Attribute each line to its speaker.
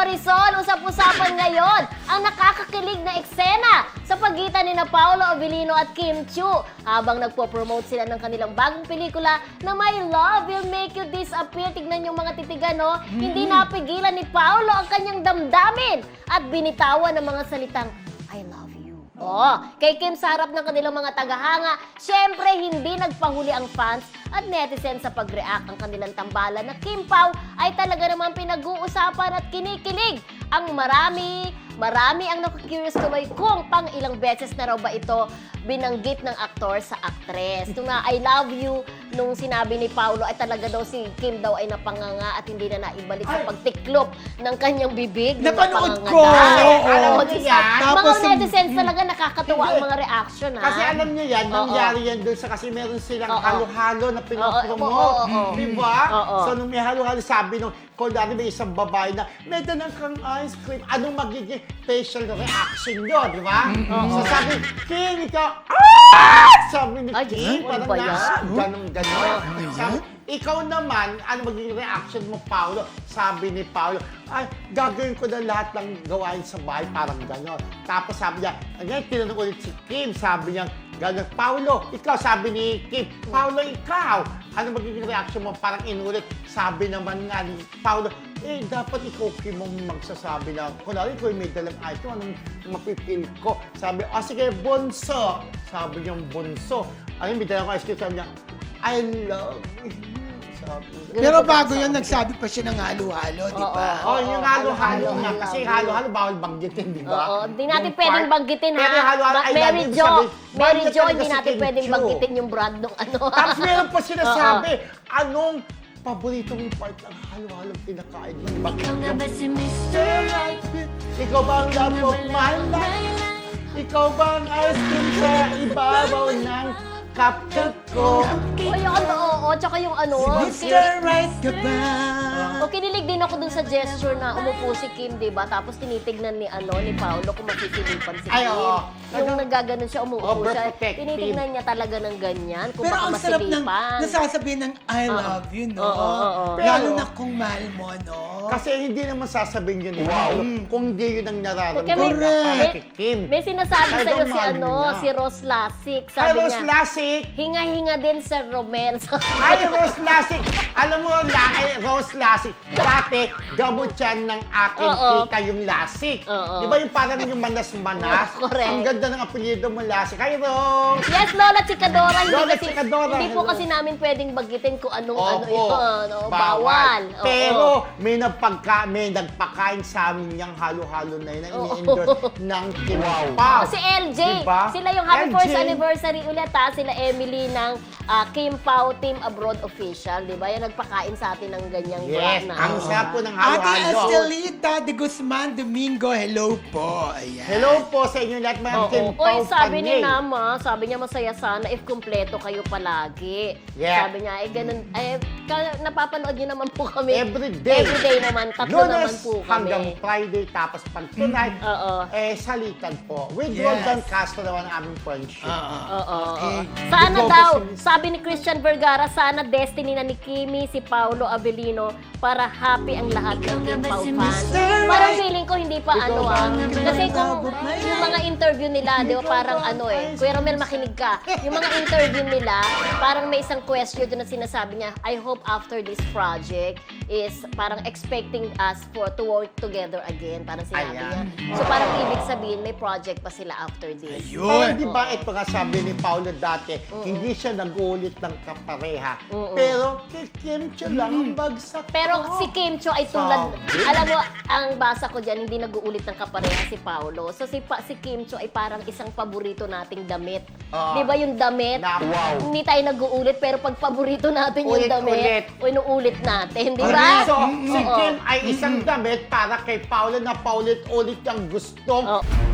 Speaker 1: Marisol, usap-usapan ngayon ang nakakakilig na eksena sa pagitan ni Paolo Abilino at Kim Chiu habang nagpo-promote sila ng kanilang bagong pelikula na My Love Will Make You Disappear. Tignan yung mga titigan, no? Hindi napigilan ni Paolo ang kanyang damdamin at binitawan ng mga salitang I love you. Kay Kim sa harap ng kanilang mga tagahanga, syempre hindi nagpahuli ang fans at netizen sa pag-react. Ang kanilang tambalan na Kim Pao ay talaga naman pinag-uusapan at kinikilig. Ang marami ang nakakurious tuloy kung pang ilang beses na raw ba ito binanggit ng aktor sa actress. Ito nga, I love you, nung sinabi ni Paolo ay talaga daw si Kim daw ay napanganga at hindi na naibalik sa pagtiklop ng kanyang bibig.
Speaker 2: Napanood ko!
Speaker 1: Alam mo yan? Mga netizens talaga nakakatuwa ang mga reaction, ha?
Speaker 2: Kasi alam niyo yan, nangyari yan doon sa kasi meron silang halo-halo na pinopromote. Diba? So nung may halo-halo, sabi nung, kung dati may isang babae na, may dalang kang ice cream, anong magiging facial reaction nyo, di ba? So sabi, Kim, ikaw, sabi ni Kim, parang na, ganun. Sabi, ikaw naman, ano magiging reaction mo, Paolo? Sabi ni Paolo, ay, gagawin ko na lahat ng gawain sa bahay, parang gano'n. Tapos sabi niya, ngayon, tinanong ulit si Kim, sabi niya, gano'n, Paolo, ikaw, sabi ni Kim, Paolo, ikaw, ano magiging reaction mo? Parang inulit, sabi naman nga ni Paolo, dapat ikaw, Kim, mong magsasabi na, kunwari, kung may dalang item, anong mapipil ko? Sabi, sige, bunso. Sabi niyang bunso. Ayun, may dalang ice cream, sabi niya, I love you.
Speaker 3: Pero bago yun, nagsabi pa siya ng halo-halo, di ba?
Speaker 2: Yung halo-halo nga. Kasi halo-halo, bawal banggitin, di ba?
Speaker 1: Hindi natin pwedeng banggitin, ha?
Speaker 2: Pero halo-halo,
Speaker 1: Mary Jo, hindi natin pwedeng banggitin yung brand ng ano.
Speaker 2: Tapos meron pa sinasabi, anong paborito mong part ng halo-halo pinakain mo?
Speaker 4: Ikaw nga ba si Mr. Right?
Speaker 2: Ikaw ba ang love of my life? Ikaw ba ang ice cream sa ibabaw ng cupcake ko?
Speaker 1: Tsaka yung ano,
Speaker 3: Mr. Right ka ba?
Speaker 1: kinilig din ako dun sa gesture na umupo si Kim, di ba? Tapos tinitignan ni Paolo kung makikilipan si Kim.
Speaker 2: Ay, oo.
Speaker 1: Yung nagaganon siya, umuupo siya.
Speaker 2: Overprotective.
Speaker 1: Tinitignan niya talaga ng ganyan, kung
Speaker 3: Pero
Speaker 1: baka
Speaker 3: ang sarap ng
Speaker 1: masilipan.
Speaker 3: nasasabihin ng I love you, no? Lalo na kung mahal mo, no?
Speaker 2: Kasi hindi naman sasabihin yun ni Paolo kung hindi yun ang nararamdaman
Speaker 3: Correct.
Speaker 2: para kay Kim.
Speaker 1: May sinasabi
Speaker 2: Ay,
Speaker 1: sa'yo
Speaker 2: mahal niya.
Speaker 1: si Rose Lasik.
Speaker 2: Ay,
Speaker 1: Sabi
Speaker 2: Rose
Speaker 1: niya,
Speaker 2: Lasik!
Speaker 1: hinga-hinga din sa Romel.
Speaker 2: Ay, Rose Lasik! Alam mo, Rose Lasik, dati, gamot yan ng aking tita yung Lasik. Di ba yung parang yung manas-manas?
Speaker 1: Correct.
Speaker 2: Ang ganda ng apelyido mo, Lasik. Hi, Rose!
Speaker 1: Yes, Lola Chikadora.
Speaker 2: Lola Chikadora,
Speaker 1: Hindi po
Speaker 2: hello.
Speaker 1: kasi namin pwedeng bagitin kung anong ano
Speaker 2: Opo,
Speaker 1: yun. Bawal. Oo.
Speaker 2: Pero may nagpakain sa amin yung halo-halo na yun na ini-endorse ng Kim Pao.
Speaker 1: Si LJ,
Speaker 2: Diba?
Speaker 1: sila yung happy
Speaker 2: LJ.
Speaker 1: first anniversary ulit, ha? Sila Emily ng Kim Pao Team Abroad Official, di ba? Yung nagpakain sa atin ng ganyang
Speaker 2: Yes,
Speaker 1: brand na.
Speaker 2: ang sarap po ng
Speaker 3: Ate
Speaker 2: halo-halo.
Speaker 3: Estelita de Guzman Domingo, hello po. Ayan.
Speaker 2: Hello po sa inyo lahat, mga Kim Pao
Speaker 1: Oy, sabi ni
Speaker 2: Panay.
Speaker 1: Nama, sabi niya masaya sana if kumpleto kayo palagi.
Speaker 2: Yeah.
Speaker 1: Sabi niya, ganun, napapanood niyo naman po kami.
Speaker 2: Every day.
Speaker 1: Every day naman, tatlo naman
Speaker 2: Lunes
Speaker 1: po kami.
Speaker 2: hanggang Friday, tapos pag tonight, salitan po. With
Speaker 3: Yes.
Speaker 2: Roldan Castro naman ang aming friendship.
Speaker 3: Okay.
Speaker 1: Sana
Speaker 2: Ikaw
Speaker 1: daw,
Speaker 2: ba si-
Speaker 1: sabi ni Christian Vergara, sana destiny na ni Kimi, si Paolo Abilino, para happy ang lahat ng Kim Pao fans. Parang feeling ko hindi pa ano kasi kung yung mga interview nila, di ba parang Kuya Romel, makinig ka. Yung mga interview nila, parang may isang question doon na sinasabi niya, I hope after this project is parang expecting us to work together again. Parang sinabi niya. So parang ibig sabihin, may project pa sila after this.
Speaker 2: Pero di ba ito nga sabi ni Paolo dati, hindi siya nag-uulit ng kapareha. Pero kay Kim Chiu lang ang bagsak.
Speaker 1: Pero si Kim Chiu ay tulad, alam mo, ang basa ko dyan, hindi nag-uulit ng kapareha si Paolo. So si Kim Chiu ay parang isang paborito nating damit. Di ba yung damit? Hindi tayo nag-uulit, pero pag paborito natin yung damit, inuulit natin, di ba?
Speaker 2: So, si Kim ay isang damit para kay Paolo na paulit-ulit ang gustong